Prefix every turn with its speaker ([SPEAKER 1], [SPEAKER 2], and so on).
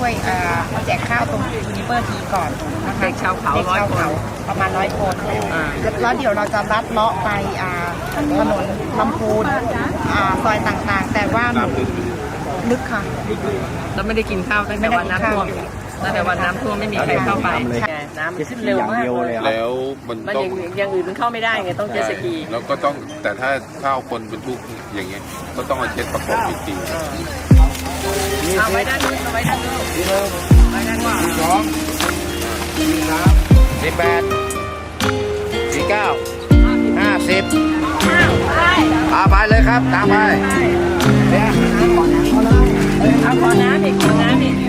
[SPEAKER 1] ช่วยแจกข้าวตรงยูนิเวอร์ทีก่อนนะคะ
[SPEAKER 2] เด็กชาวเขา100 คน
[SPEAKER 1] ประมาณ100 คนแล้วเดี๋ยวเราจะลัดเลาะไปถนนลำพูนซอยต่างๆ แต่ว่าลึกค่ะ
[SPEAKER 2] เราไม่ได้กินข้าวตั้งแต่วันน้ำท่วมไม่มีใครเข้าไปน้ำขึ้นเร็วมากเลย
[SPEAKER 3] แล้วมันต้อง
[SPEAKER 2] อย่างอื่นมันเข้าไม่ได้ไงต้องเจ็ตสกี
[SPEAKER 3] แล้วก็ต้องแต่ถ้าข้าวคนบรรทุกอย่างเงี้ยก็ต้องเอาเช็ดประกอบอีกที
[SPEAKER 2] เอาไว้ด้านนู้นเอาไว้ด้านนู้นไว้ด้านนู้น
[SPEAKER 4] 18 49 50ไปเลยครับตามไป
[SPEAKER 2] เอาขอน้ำอีก